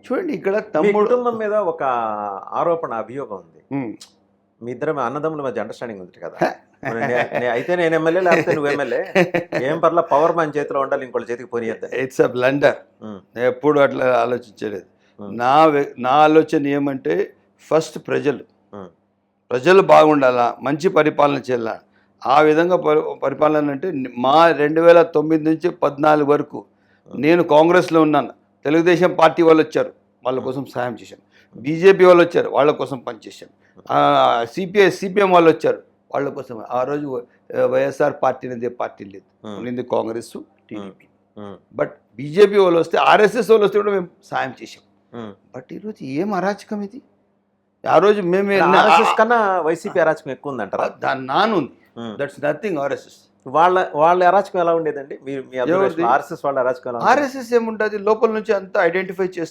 చూడండి ఇక్కడ మీ తమ్ముడు కుటుంబం మీద ఒక ఆరోపణ అభియోగం ఉంది. ఉమ్. మీ ఇద్దరు అన్నదమ్ముల మధ్య అండర్స్టాండింగ్ ఉంది కదా. అయితే నేను ఎమ్మెల్యే లేకపోతే నువ్వు ఎమ్మెల్యే, ఏం పర్లా పవర్ మన చేతిలో ఉండాలి, ఇంకోళ్ళ చేతికి పోనీయద్దు. It's a blunder. నేను ఎప్పుడు అట్లా ఆలోచించలేదు. నా ఆలోచన ఏమంటే ఫస్ట్ ప్రజలు బాగుండాలా, మంచి పరిపాలన చేయాలా. ఆ విధంగా పరిపాలన అంటే మా 2009 నుంచి 14 వరకు నేను కాంగ్రెస్లో ఉన్నాను. తెలుగుదేశం పార్టీ వాళ్ళు వచ్చారు, వాళ్ళ కోసం సహాయం చేశాను. బీజేపీ వాళ్ళు వచ్చారు, వాళ్ళ కోసం పనిచేశాను. సిపిఎం వాళ్ళు వచ్చారు, వాళ్ళ కోసం. ఆ రోజు వైఎస్ఆర్ పార్టీ అనేది పార్టీ లేదు, ఉంది కాంగ్రెస్, టీడీపీ. బట్ బీజేపీ వాళ్ళు వస్తే, ఆర్ఎస్ఎస్ వాళ్ళు వస్తే కూడా మేము సాయం చేసాం. బట్ ఈరోజు ఏం అరాచకం ఇది. ఆ రోజు మేము కన్నా వైసీపీ అరాచకం ఎక్కువ ఉందంటారా? దాని నానుంది. That's nothing RSS. వాళ్ళ అరాచకం ఎలా ఉండేదండి? మీ ఆర్ఎస్ఎస్ వాళ్ళ అరాచకం ఎలా? ఆర్ఎస్ఎస్ ఏముంటుంది, లోపల నుంచి అంతా ఐడెంటిఫై చేస్తారు.